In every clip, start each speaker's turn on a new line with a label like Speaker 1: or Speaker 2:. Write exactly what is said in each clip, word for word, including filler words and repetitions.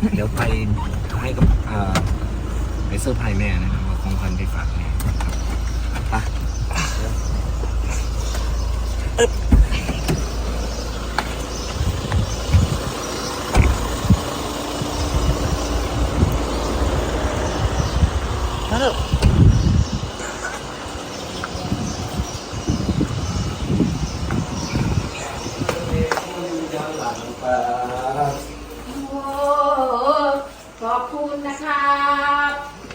Speaker 1: เดี๋ยวไปให้กับไปเซอร์ไพรส์แม่นะครับว่าของขวัญไปฝากแม่ครับไปฮัลโหล
Speaker 2: ขอบคุณนะครับ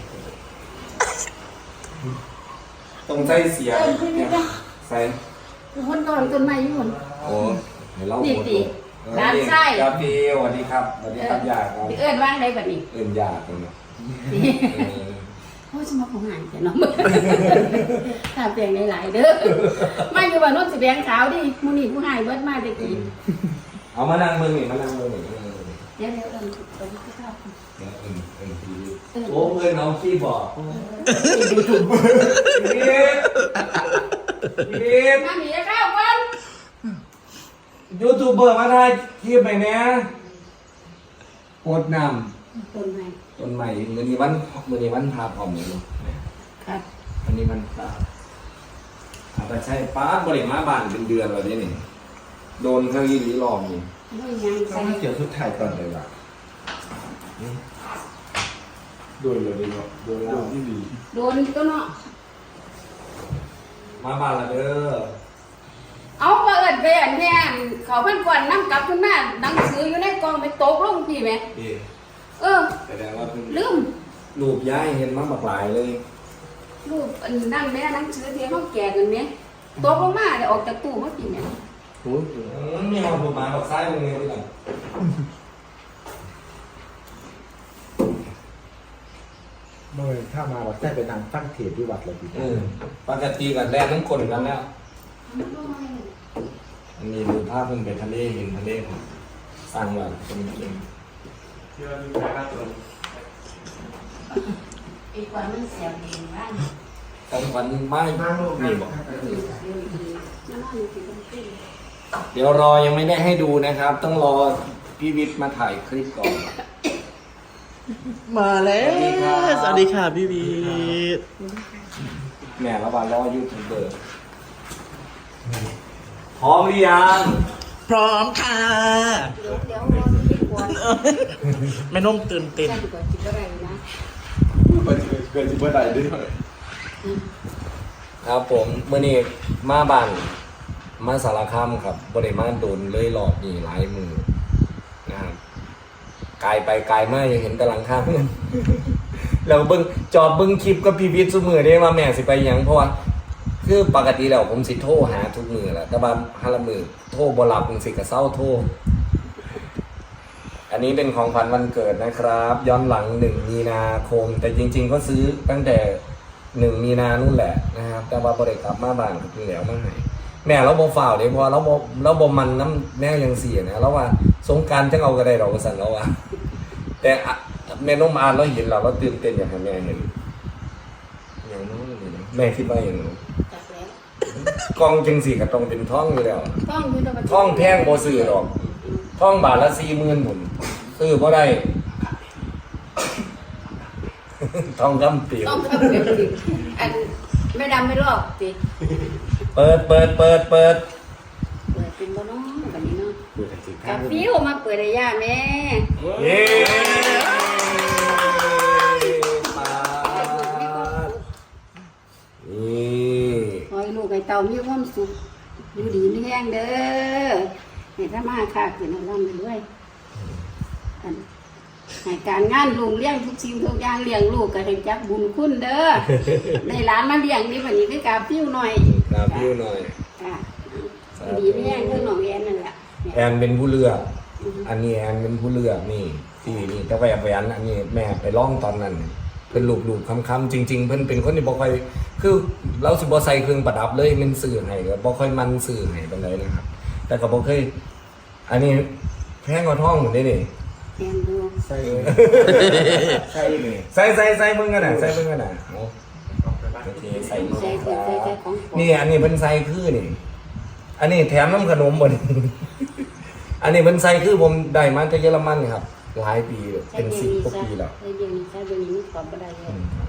Speaker 1: ตรงใจเสียใส่
Speaker 2: คนก่อนต้นไม้ยุ่น
Speaker 1: โอ้เดี๋ยวเราหมด
Speaker 2: ร้านไส้
Speaker 1: ครับพี่สวัสดีครับสวัสดีครับยาครับ
Speaker 2: เอิ้นว่างได้แบบนี้
Speaker 1: เอิ้นยาตรงนี้
Speaker 2: โอ้ยสมองของหายแต่น้องถามเพียงหลายๆเด้อมาอยู่บ้านโน้นสิแบงขาวดิมูนี่ผู้หายเบิดมาได้กี่
Speaker 1: เอามานั่งมือหนิมานั่งมือหนิ
Speaker 2: เดี๋ยวเดี๋ยวเอิ้นเอิ้นที่ชอบ
Speaker 1: เอิ้นเอิ้นเอิ้นพี่โอ้เอิ้นน้องพี่บอกยูทูบเบอร์พี่พี่
Speaker 2: มาหนีข้าวกัน
Speaker 1: ยูทูบเบอร์มาได้ที่ไปเนี้ยโคตรน
Speaker 2: ำต้นไม้
Speaker 1: ต้นใหม่มือนี้วันมือนี้วันพาพร้อมเลย
Speaker 2: ครับ
Speaker 1: วันนี้มันพาอาจจะใช่ป้าบริมาบ้านเป็นเดือนแล้วนี่โดนเขาอีหลีหลอกนี่
Speaker 2: ต้อง
Speaker 1: เกี่ยวชุดไทยก่อนเลยว่ะโดนเลยดีกว่าโดนแล้วที่ดี
Speaker 2: โดนก็เนาะ
Speaker 1: มาบ้านละเด้อ
Speaker 2: เอาเปิดไปอันแท้เขาเพิ่นก่อนนั่งกลับขึ้นมาหนังสืออยู่ในกองไปตกลงพี่ไหมเออ
Speaker 1: แสดงว่า
Speaker 2: ลืม
Speaker 1: รูปย้ายเห็นมาบักหลายเลย
Speaker 2: รูปอันนั่งแม่หนังสือที่เขาแก่กันไหมตกลงมาเดี๋ยวออกจากตู้มากินเนี่ย
Speaker 1: โอ้ยมีเอารูปมาบักซ้ายตรงนี้ด้วยกัน
Speaker 3: เมื่อถ้ามาวัดได้ไปนางตั้งเทศที่วัดเลยพี่
Speaker 1: ปกติกับแดนน้ำคนกันแล้วอันนี้ดูภาพมันเป็นทะเลเห็นทะเลสร้างว่าเป็นเอง
Speaker 2: อีกวันมันเสียบเองบ้าง
Speaker 1: ของวันไม่มีบอกเดี๋ยวรอยังไม่ได้ให้ดูนะครับต้องรอพี่วิทย์มาถ่ายคลิปก่อน
Speaker 3: มาแล้วสวัสดีค่ะพี่วิทย์
Speaker 1: แม่ระบาดรอยูทูบเบอร์พร้อมหรือยัง
Speaker 3: พร้อมค่ะ
Speaker 2: เดี๋ยวเดี๋ยวรอพี่ก่อน
Speaker 3: แม่นุ่มตื่นเต้น
Speaker 2: ก่อนจิบอะไรนะ
Speaker 1: เกิดจิบอะไรด้วยครับผมเมื่อนี้มาบ้านมาสารคามครับบริมาโดนเลยหลอกนี่หลายมือนะครับกายไปกายมายังเห็นแต่หลังคาเพื่อนแล้วเบิ้งจอบเบิ้งคลิปก็พี่วิทย์ซุมือได้มาแม่สิไปยังเพราะว่าคือปกติแล้วผมสิโทรหาทุกมือแหละแต่ว่าฮาละมือโทรบ่หลับผมสิกระเซ้าโทรอันนี้เป็นของขวัญวันเกิดนะครับย้อนหลังหนึ่งมีนาคมแต่จริงๆก็ซื้อตั้งแต่หนึ่งมีนานู่นแหละนะครับแต่ว่าบริกลับมาบ้านคือแล้วมาให้แม่เราบ่ฝ่าวเลยเพราะเราบ่เราบ่มันน้ำแม่ยังเสียนะแล้วว่าสงการจะเอากระไดเราสั่นแล้วว่าแต่แม่น้องมาเราเห็นเราเราตื่นเต้นอย่างแม่เห็นอย่างนู้นแม่คิดว่าอย่างนู้นกองจังสี่กับตรงเป็นท่องอยู่แล้วท่องแพงโบซื้อหรอกท่องบาทละสี่หมื่นผมซื้อเพราะได้ท่องคำเปลี่ยว
Speaker 2: ต้องคำเปลี่ยวอันไม่ดำไม่รอบสิ
Speaker 1: เปิดเปิดเปิดเปิด
Speaker 2: เปิดเป็นบ่น้องแบบนี้เนาะกับฟิวมาเปิดได้ยากแม่
Speaker 1: เย้
Speaker 2: ขอให้ลูกไอ้เต่ามีความสุขอยู่ดีมีแรงเด้อให้ถ้ามาค่ะขึ้นเอาล่ำด้วยให้การงานลุงเลี้ยงทุกสิ่งทุกอย่างเลี้ยงลูกก็ให้จักบุญคุณเด้อในร้านมาเลี้ยงนี่วันนี้คือกาฟิวหน่อย
Speaker 1: กาฟิวหน่อย
Speaker 2: ดีมีแรงคือน้องแอนนั่นแหละ
Speaker 1: แอนเป็นผู้เลือกอันนี้แอนเป็นผู้เลือกนี่ที่นี่แต่แหวนแหวนอันนี้แม่ไปร้องตอนนั้นเป็นลูกลูกคำคำจริงๆเพิ่นเป็นคนที่บ่ค่อยคือเราสิบ่ใส่เครื่องประดับเลยมันสื่อให้ก็บ่ค่อยมันสื่อให้ปานใดนะครับแต่ก็บ่เคยอันนี้แพงกว่าท้องหมดได้นี่
Speaker 2: แอนดู
Speaker 1: ใส่ใส่นี่ใส่ใส่ใส่มึงกันน่ะใส่มึงกันน่ะเอาโอเคใส่นี่อันนี้เพิ่นใส่คือนี่อันนี้แถมน้ำขนมบ่นี่อันนี้เพิ่นใส่คือผมได้มาจากเยอรมันครับหลายปีเลย
Speaker 2: ใช้
Speaker 1: เป็น
Speaker 2: เบีย
Speaker 1: สิบ
Speaker 2: นี้
Speaker 1: กว่า
Speaker 2: ซะ
Speaker 1: ปีแล้ว
Speaker 2: ใช้เบียนี้ซะเบียนี้ขอบบ่ได้เลย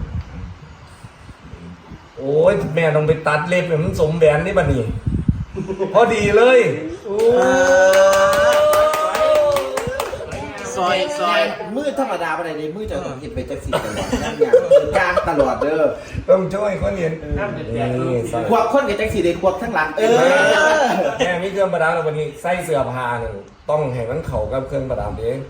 Speaker 1: โอ้ยแม่ต้องไปตัดเล็บเนี่ยมันสมแหวนนี่บัดนี้พอดีเลยโอ้
Speaker 4: ซอยซอย
Speaker 3: มือธรรมดาไปไหนเลยมือจะต้องเห็นไปจักสีตลอดนั่งอย่างกลางตลอดเด้อ
Speaker 1: ต้องช่วยคนเรียนนี่ใส่
Speaker 3: ควบคนกับจักสีเด็กควบทั้งหลังเออ
Speaker 1: แม่มีเครื่องประดับแล้ววันนี้ใส่เสื้อผ้าหนึ่งต้องให้มันเข้ากับเครื่องประดับเอง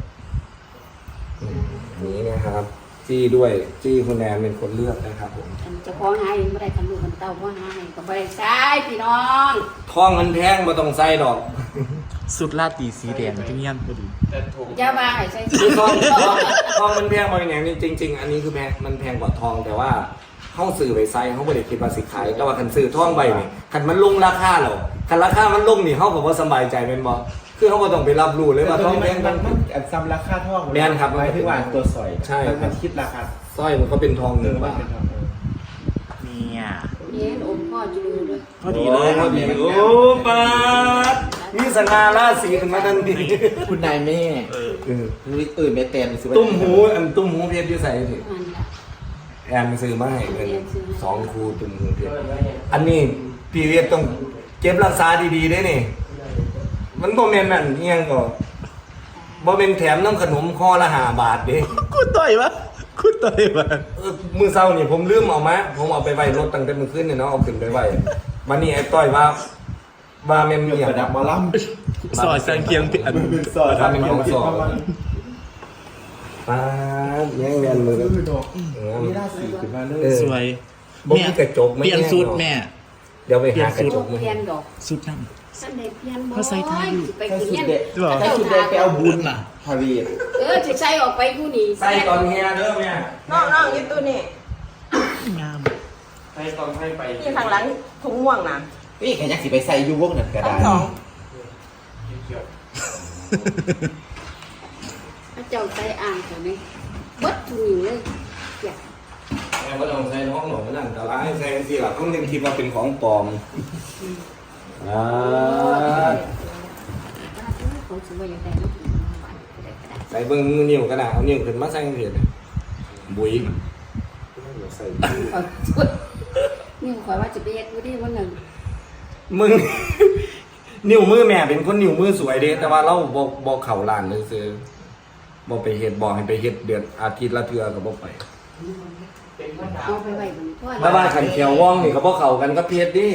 Speaker 1: นี่นะครับ จี้ด้วยจี้คุณแนนเป็นคนเลือกนะครับผม
Speaker 2: อันเจะพ้าของหายบ่ได้คันลูกคันเต้าบ่หายก็บ่ได้ใช้พี่น้อง
Speaker 1: ท้องมันแพงมาต้องใส่ดอก
Speaker 4: สุดลาตีสีแดงที่เงี้ยพอดี
Speaker 2: อย่ามาให้ใส่
Speaker 1: คือทองทองมันแพงมาอย่างนี้จริง ๆ อันนี้คือแพงมันแพงกว่าทองแต่ว่าเขาซื้อไปใส่เขาไม่ได้คิดว่าสิขายแต่ว่าคันซื้อทองใบนี่คันมันลงราคาหรอคันราคามันลงนี่เขาก็บ่สบายใจเป็นบ่คือเขาก็ต้องไปรับรู้เลยว่าทองแพง
Speaker 3: มั
Speaker 1: มัน น
Speaker 3: มันแอบซ้ำราคาท่อง
Speaker 1: แม่นครับ
Speaker 3: หมายถึงว่าตัวสอย
Speaker 1: ใช่
Speaker 3: มันมันคิดราคา
Speaker 1: สร้อยมันก็เป็นทองห
Speaker 3: เอ
Speaker 1: นึ่ง
Speaker 3: อมัน
Speaker 1: บาท
Speaker 3: เป็นทองเออ
Speaker 4: เนี่ย
Speaker 2: นี่อมพ่ออยู่ด้วย
Speaker 4: พอดีเลย
Speaker 1: พอดีโอ้ปาดนี่สง่าราศีขึ้นมาทันที
Speaker 3: คุณนายแม่
Speaker 4: เออ
Speaker 1: เออ
Speaker 3: รู้ตื่นไม่เต็มซื้อไว้
Speaker 1: ตุ้มหูอันตุ้มหูเพชรอยู่ใส่สิ
Speaker 2: มันละ
Speaker 1: แอนซื้อมาให้เป็นสองคูตุ้มหูเพชรอันนี้พี่เวียดต้องเก็บรักษาดีๆด้วยนี่ มันบ่แม่นนั่นเอียงก็บ่เป็นแถมน้ำขนมคอละห้าบาทเด้
Speaker 4: คุณต่อยวะคุณต่อยวะ
Speaker 1: เออมื้อเช้านี่ผมลืมเอามาผมเอาไปไว้รถตั้งแต่มื้อคืนนี่เนาะเอาขึ้นไปไว้วันนี้ไอ้ต้อยว่าว่าแม่นมีหยัง
Speaker 3: ประดับหมอล
Speaker 4: ซอยสังเคียงเปลี่ยน
Speaker 3: ำสอดทำเป็นของสอด
Speaker 1: ปาดแย่งเรียนมือ
Speaker 3: คือดอกนี่ราศีขึ้นมาเลย
Speaker 4: สวย
Speaker 1: บ่มีกระจกไม่
Speaker 4: เปลี่ยน
Speaker 1: แน่
Speaker 4: สูตร
Speaker 1: เนาะ
Speaker 4: แม่
Speaker 1: เดี๋ยวไปหากระจ
Speaker 2: จ
Speaker 1: ก
Speaker 2: ก
Speaker 1: มา
Speaker 2: เพียนดอก
Speaker 4: สุดนั่น
Speaker 2: สันเด็เพียนบ่
Speaker 4: เขาใส่ไทยอยู่
Speaker 2: ไป
Speaker 3: ถ้า
Speaker 2: ขึ้น
Speaker 3: สุด
Speaker 2: เงี้ย
Speaker 3: เด็ดถ้าสุดเด็ดไปเอาบุญน่ะพารีด
Speaker 2: เออจะใส่ออกไปผู้นี้
Speaker 1: ใส่ตอนเฮียเด้อแม่
Speaker 5: น้องน้องยี่ตัวนี่
Speaker 4: งาม
Speaker 1: ใส่ตอนให้ไป
Speaker 5: ที่ข้างหลังถุงม่วงนะ
Speaker 3: นี่แค่ยักษ์สิไปใส่ยูวงนั่นก็
Speaker 5: ทั้
Speaker 3: ได้
Speaker 5: งสอง
Speaker 2: พระเจ้าใส่อ่างเถอะนี่เบิดทุกนิ้วเลยอยาก
Speaker 1: แม่ก็ต้องใส่ห้องหนูนั่นแต่ร้ายใส่สิล่ะต้องยังคิดว่าเป็นของปลอมอ่า
Speaker 2: เขาซื้อไว้อย่างไรเนาะได้ก็ได้
Speaker 1: ใส่เบิ้งนิ้วก็ได้เอานิ้วขึ้นมาใส่เถิดบุยใส่
Speaker 2: เอาช่วยนี่ขอยว่าจะไปเฮ็ดอยู่ดิวันหนึ่ง
Speaker 1: มึง นิ้วมือแม่เป็นคนนิ้วมือสวยเด้แต่ว่าเราบ่บ่เข้าร้านเลยซื้อบ่ไปเฮ็ดบ่ให้ไปเฮ็ดเดือนอาทิตย์ละเทื่อก็บ่ไป
Speaker 2: เอาไปไว้บนพ่อ
Speaker 1: ถ้าว่าขันเขียวว่องนี่ก็บ่เข้ากันกับเพชรดิ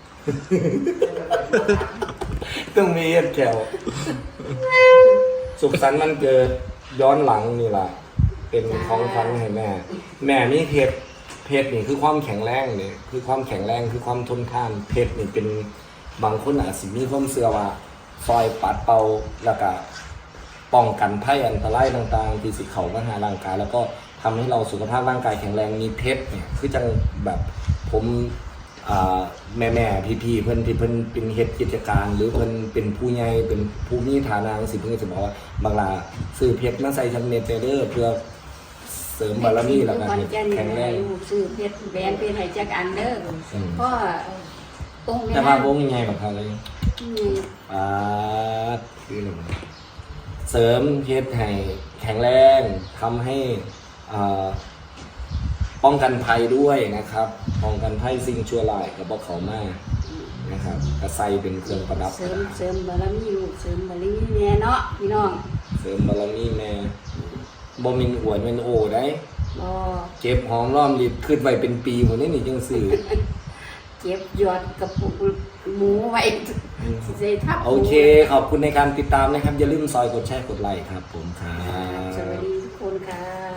Speaker 1: ต้องมีเฮ็ดแขวสุขสันต์วันเกิดย้อนหลังนี่ล่ะ เป็นของขวัญให้แม่ แม่มีเพชรเพชรนี่คือความแข็งแรงนี่คือความแข็งแรงคือความทนทานเพชรนี่เป็นบางคนอาจสิมีความเชื่อว่าซอยปัดเป่าแล้วก็ป้องกันภัยอันตรายต่างๆที่สิเข้ามาหาร่างกายแล้วก็ทำให้เราสุขภาพร่างกายแข็งแรงมีเพชรเนี่ยคือจังแบบผมอ่าแม่แม่พี่พี่ๆเพิ่นที่เพิ่นเป็นเฮ็ดกิจการ หรือเพิ่นเป็นผู้ใหญ่เป็นผู้มีฐานะสิเพิ่นก็จะบอกว่าบางลาซื้อเพชรมาใส่จำเน็ตเด้อเพื่อเสริมบารมีแล้วก็
Speaker 2: วัน
Speaker 1: เฮ็ด
Speaker 2: จันทร์
Speaker 1: แข็งแรง
Speaker 2: ลูกซื้อเพชรแบรนด์เป็นให้จักอันเด้อ
Speaker 1: อืม
Speaker 2: เพราะองค์
Speaker 1: แต่
Speaker 2: แม่
Speaker 1: ว่าบ่มีไงแบบเขาเลย
Speaker 2: อืม
Speaker 1: อ่าคือหนึ่งเสริมเพชรให้แข็งแรงทำให้อ่าป้องกันภัยด้วยนะครับ ป้องกันภัยสิ่งชั่วร้ายกับพวกเขามากนะครับกระใสเป็นเครื่องประดับ
Speaker 2: เสริมเสริมบารมีลูกเสริมบารมีแม่เนาะพี่น้อง
Speaker 1: เสริมบารมีแม่บ่มินอวดเป็นโอได้
Speaker 2: บ่
Speaker 1: เก็บหอมรอมริบขึ้นไว้เป็นปีหมดนี่นี่จังสื่อ
Speaker 2: เก็บยอดกระปุกหมูไว้สิทับหมู
Speaker 1: โอเค ขอบคุณในการติดตามนะครับ อย่าลืมซอยกดแชร์กดไลค์ครับผมครั
Speaker 2: สวัส
Speaker 1: บ
Speaker 2: ดีทุกคนค่ะ